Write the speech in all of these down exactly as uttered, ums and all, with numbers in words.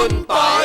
คุณปอย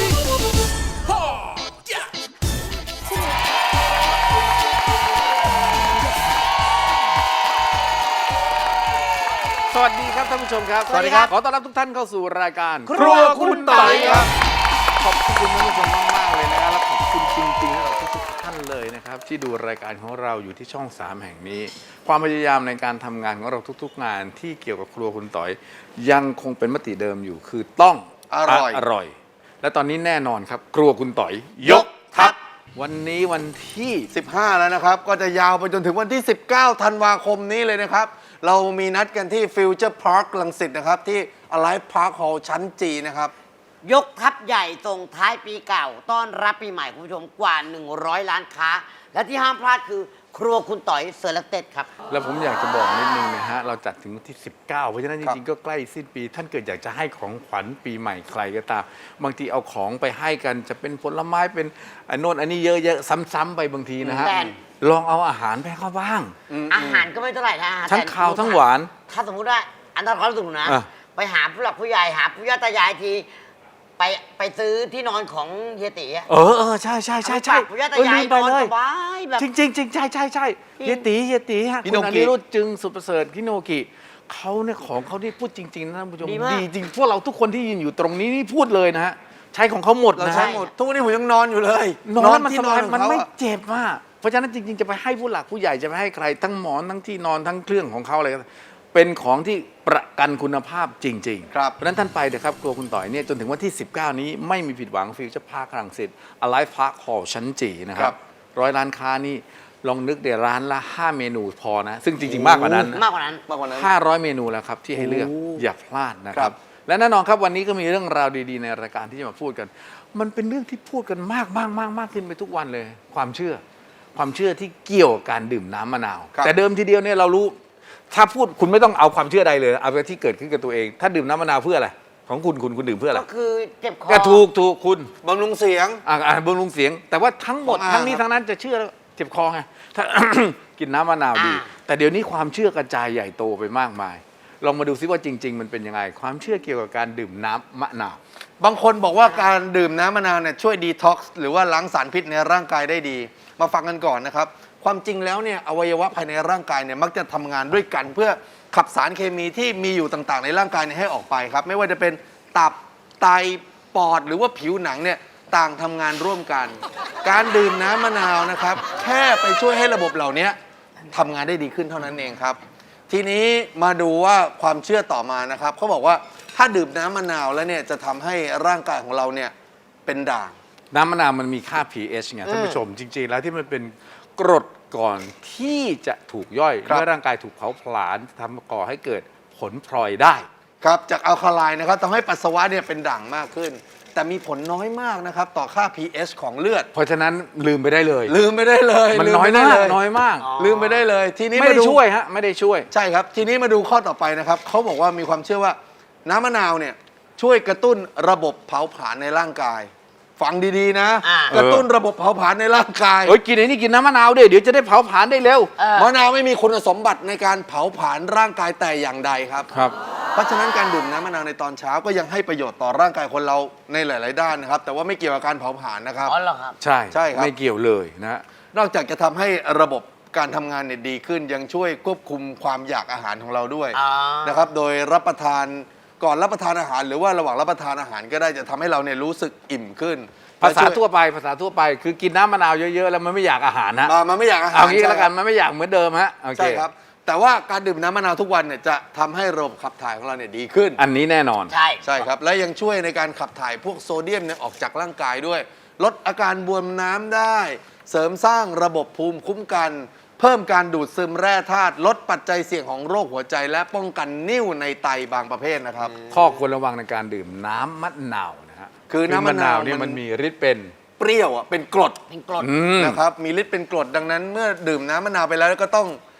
สวัสดีครับท่านผู้ชมครับสวัสดีครับขอต้อนรับทุกท่านเข้าสู่รายการครัวคุณปอยครับขอบคุณท่านผู้ชมมากๆเลยนะครับและขอบคุณจริงๆสำหรับทุกๆท่านเลยนะครับที่ดูรายการของเราอยู่ที่ช่องสามแห่งนี้ ความพยายามในการทำงานของเราทุกๆงานที่เกี่ยวกับครัวคุณต๋อยยังคงเป็นมติเดิมอยู่คือต้องอร่อยอร่อย และตอนนี้แน่นอนครับครัวคุณต๋อยยกทัพวันนี้วันที่สิบห้าแล้วนะครับก็จะยาวไปจนถึงวันที่สิบเก้าธันวาคมนี้เลยนะครับเรามีนัดกันที่ Future Park รังสิตนะครับที่ Alive Park Hall ชั้นจีนะครับยกทัพใหญ่ส่งท้ายปีเก่า ต้อนรับปีใหม่คุณผู้ชมกว่า หนึ่งร้อย ล้านค้า และที่ห้ามพลาดคือครัวคุณต๋อยเซอร์เลเต็ดครับแล้วผมอยากจะบอกนิดนึงนะฮะเราจัดถึงวันที่สิบเก้าเพราะฉะนั้นจครับริงๆก็ใกล้สิ้นปี ท่านเกิดอยากจะให้ของขวัญปีใหม่ใครก็ตามบางทีเอาของไปให้กันจะเป็นผลไม้เป็นอันโน้นอันนี้เยอะๆซ้ำๆไปบางทีนะฮะแต่ลองเอาอาหารไปให้เขาบ้างอาหารก็ไม่เท่าไหร่นะทั้งแต่คาวทั้งหวานถ้าสมมุติว่าอันนั้นความรู้สึกหนูนะอ่ะไปหาผู้หลักผู้ใหญ่หาผู้ย่าตายายทีไปไปซื้อที่นอนของเฮียตีอะเออเออใช่ใช่ใช่ใช่เอาไปฝากผู้ย่าตาเออยายลืมไปนอนเลยสบายแบบจริงจริงจริงใช่ใช่ใช่จริงเฮียตีเฮียตีฮะพี่คุณโนอกินิรุธจึงสุดประเสริฐพี่โนกิเขาเนี่ยของเขาที่พูดจริงๆนะท่านผู้ชมดีมากดีจริงพวกเราทุกคนที่ยืนอยู่ตรงนี้นี่พูดเลยนะฮะใช้ของเขาหมดเรานะใช้ฮะหมดทุกวันนี้ผมยังนอนอยู่เลยนอนแล้วมันที่สบายของมันเขาไม่อะเจ็บอ่ะเพราะฉะนั้นจริงๆจะไปให้ผู้หลักผู้ใหญ่จะไปให้ใครทั้งหมอนทั้งที่นอนทั้งเครื่องของเขาอะไรก็เป็นของที่ประกันคุณภาพจริงๆครับเพราะฉะนั้นท่านไปเถอะครับครัวคุณต่อยเนี่ยจนถึงวันที่ สิบเก้า นี้ไม่มีผิดหวังฟิวเจอร์พาร์ครังสิต Alive Park Hall ชั้นจีนะคครัรับบ ร้อยร้านค้านี่ลองนึกเดี๋ยวร้านละห้าเมนูพอนะ ซึ่งจริงๆมากกว่านั้นนะมากกว่านั้นมากกว่านั้นห้าร้อยเมนูแล้วครับที่ให้เลือกโอ้อย่าพลาดนะคครัรับบและแน่นอนครับวันนี้ก็มีเรื่องราวดีๆในรายการที่จะมาพูดกัน มันเป็นเรื่องที่พูดกันมากมากมากมากขึ้นไปทุกวันเลย ความเชื่อ ความเชื่อที่เกี่ยวกับการดื่มน้ำมะนาวครับแต่เดิมทีเดียวเนี่ยเรารู้ ถ้าพูดคุณไม่ต้องเอาความเชื่อใดเลยเอาไปที่เกิดขึ้นกับตัวเอง ถ้าดื่มน้ำมะนาวเพื่ออะไรของคุณคุณคุณดื่มเพื่ออะไรก็คือเจ็บคอก็ถูกถูกคุณบำรุงเสียงอ่าอ่าบำรุงเสียง แต่ว่าทั้งหมดของอาทั้งนี้ครับทั้งนั้นจะเชื่อแล้วเจ็บคอไงถ้า กินน้ำมะนาวดีอ่าแต่เดี๋ยวนี้ความเชื่อกระจายใหญ่โตไปมากมาย ลองมาดูซิว่าจริง ๆ มันเป็นยังไง ความเชื่อเกี่ยวกับการดื่มน้ำมะนาวบางคนบอกว่าการดื่มน้ำมะนาวเนี่ยช่วยดีท็อกซ์หรือว่าล้างสารพิษในร่างกายได้ดี มาฟังกันก่อนนะครับ ความจริงแล้วเนี่ยอวัยวะภายในร่างกายเนี่ยมักจะทำงานด้วยกัน เพื่อขับสารเคมีที่มีอยู่ต่างๆ ในร่างกายเนี่ยให้ออกไปครับ ไม่ว่าจะเป็นตับไตปอดหรือว่าผิวหนังเนี่ยต่างทำงานร่วมกัน การดื่มน้ำมะนาวนะครับแค่ไปช่วยให้ระบบเหล่านี้ทำงานได้ดีขึ้นเท่านั้นเองครับ ทีนี้มาดูว่าความเชื่อต่อมานะครับเขาบอกว่าถ้าดื่มน้ำมะนาวแล้วเนี่ยจะทำให้ร่างกายของเราเนี่ยเป็นด่างน้ำมะนาวมันมีค่า pH ไงท่านผู้ชมจริง ๆ แล้วที่มันเป็นกรดก่อนที่จะถูกย่อยครับเมื่อร่างกายถูกเผาผลาญทำก่อให้เกิดผลพลอยได้ครับจากอัลคาไลน์นะครับทำให้ปัสสาวะเนี่ยเป็นด่างมากขึ้น แต่มีผลน้อยมากนะครับต่อค่า pH ของเลือดเพราะฉะนั้นลืมไปได้เลยลืมไปได้เลยมันลืน้อยไปได้มากเลยน้อยมากลืมไปได้เลย ทีนี้ไม่มาได้ดูช่วยฮะไม่ได้ช่วยใช่ครับ ทีนี้มาดูข้อต่อไปนะครับเขาบอกว่ามีความเชื่อว่าน้ำมะนาวเนี่ยช่วยกระตุ้นระบบเผาผลาญในร่างกาย ฟังดีๆนะอ่ากระตุ้นระบบเผาผลาญในร่างกายเฮ้ยกินไอ้นี่กินน้ำมะนาวด้วยเดี๋ยวจะได้เผาผลาญได้เร็วเออมะนาวไม่มีคุณสมบัติในการเผาผลาญร่างกายแต่อย่างใดครับครับเพราะฉะนั้นการดื่มน้ำมะนาวในตอนเช้าก็ยังให้ประโยชน์ต่อร่างกายคนเราในหลาย ๆ ด้านนะครับ แต่ว่าไม่เกี่ยวกับการเผาผลาญนะครับอ๋อเหรอครับใช่ใช่ครับไม่เกี่ยวเลยนะนอกจากจะทำให้ระบบการทำงานเนี่ยดีขึ้น ยังช่วยควบคุมความอยากอาหารของเราด้วยอ่านนะครับ โดยรับประทานก่อนรับประทานอาหาร หรือว่าระหว่างรับประทานอาหารก็ได้จะทำให้เราเนี่ยรู้สึกอิ่มขึ้นภาษาและช่ยทั่วไปภาษาทั่วไปคือกินน้ำมะนาวเยอะๆแล้วมันไม่อยากอาหารนะมามันไม่อยากอาหารเอางี้แล้วกันใช่มันไม่อยากเหมือนเดิมฮะโอเคใช่ครับ แต่ว่าการดื่มน้ำมะนาวทุกวันเนี่ยจะทำให้ระบบขับถ่ายของเราเนี่ยดีขึ้นอันนี้แน่นอนใช่ใช่ครับ และยังช่วยในการขับถ่ายพวกโซเดียมเนี่ยออกจากร่างกายด้วย ลดอาการบวมน้ำได้ เสริมสร้างระบบภูมิคุ้มกัน เพิ่มการดูดซึมแร่ธาตุลดปัจจัยเสี่ยงของโรคหัวใจ และป้องกันนิ่วในไตบางประเภทนะครับข้อควรระวังในการดื่มน้ำมะนาวนะฮะคือน้ำมะนาวเนี่ยมัมันนมีฤทธิ์เป็นเปรี้ยวอ่ะเป็นกรดเป็นกรดอืมนะครับมีฤทธิ์เป็นกรดดังนั้นเมื่อดื่มน้ำมะนาวไปแล้วก็ต้อง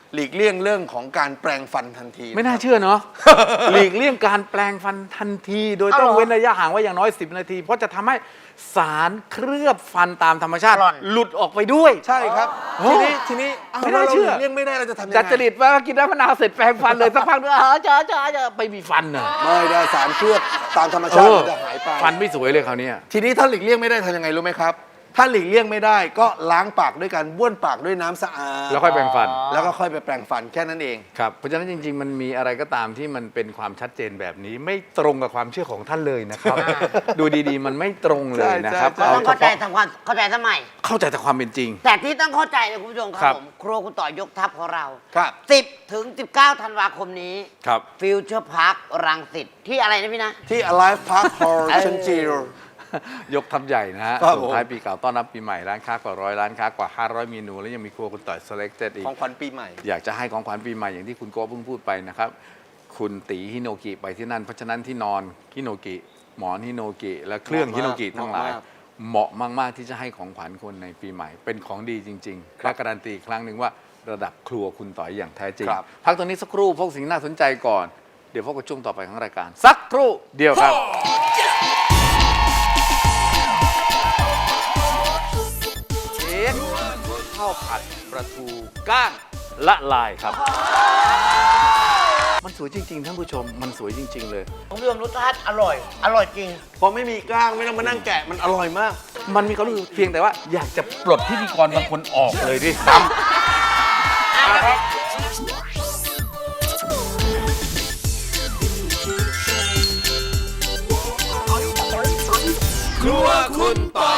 หลีกเลี่ยงเรื่องของการแปรงฟันทันทีไม่น่าเชื่อเนาะ หลีกเลี่ยงการแปลงฟันทันที โดยต้องเว้นระยะห่างไว้อย่างน้อยสิบนาที เพราะจะทำให้สารเคลือบฟันตามธรรมชาติหล่อนหลุดออกไปด้วยใช่ครับโอ้ทีนี้ทีนี้อ้าวไม่น่าเชื่อรหลีกเลี่ยงไม่ได้เราจะทำยังไงจัดจริตว่ากินน้ำมะนาวเสร็จแปรงฟันเลยสักพักนึงอ๋อจ้าจ้าจ้าไปมีฟันน่ะไม่ได้สารเคลือบตามธรรมชาติมันจะหายไปฟันไม่สวยเลยคราวเนี้ยทีนี้ถ้าหลีกเลี่ยงไม่ได้ทำยังไงรู้ไหมครับ ถ้าหลีกเลี่ยงไม่ได้ก็ล้างปากด้วยการบ้วนปากด้วยน้ำสะอาดแล้วค่อยแปรงฟันแล้วก็ค่อยไปแปรงฟันแค่นั้นเองครับ เพราะฉะนั้นจริง ๆ มันมีอะไรก็ตามที่มันเป็นความชัดเจนแบบนี้ ไม่ตรงกับความเชื่อของท่านเลยนะครับ ดูดีๆ มันไม่ตรงเลยนะครับใช่เราใช่ต้องเข้าใจทำความเข้าใจสมัยเข้าใจแต่ความเป็นจริงแต่ที่ต้องเข้าใจนะคุณผู้ชมคครัรับบ ผมครัวคุณต่อยกทัพของเราครับสิบถึงสิบเก้าธันวาคมนี้ครับฟิวเจอร์พาร์ครังสิตที่อะไรนะพี่นะที่ Alive Park Hall เออชั้นจีรยกทัพใหญ่นะฮะครับส่งท้ายปีเก่าต้อนรับปีใหม่ร้านค้ากว่าร้อยร้านค้ากว่าห้าร้อยเมนู แล้วยังมีครัวคุณต่อย selected อีกของขวัญปีใหม่อยากจะให้ของขวัญปีใหม่อย่างที่คุณโก้เพิ่งพูดไปนะครับ คุณตีฮิโนกิไปที่นั่น เพราะฉะนั้นที่นอนฮิโนกิหมอนฮิโนกิและเครื่องเหฮิมาะโนมากกิทั้งหลายเหมาะมากเหมาะมาก ๆ ที่จะให้ของขวัญคนในปีใหม่ เป็นของดีจริงๆและการันตีอีกครั้งหนึ่งว่าระดับครัวคุณต่อยอย่างแท้จริงครับพักตรงนี้สักครู่พวกสิ่งน่าสนใจก่อนเดี๋ยวพบกับช่วงต่อไปของรายการ สักครู่เดียวครับ เค้กข้าวผัดปลาทูก้างละลายครับ มันสวยจริง ๆ ท่านผู้ชม มันสวยจริง ๆ เลยผมเรื่องรสชาติอร่อย อร่อยจริงพอไม่มีกล้างไม่ต้องมานั่งแกะมันอร่อยมากมันมีความรู้สึกเพียงแต่ว่าอยากจะปลดพิธีกรบางคนออกเลยด้วยซ้ำครัวคุณต่อย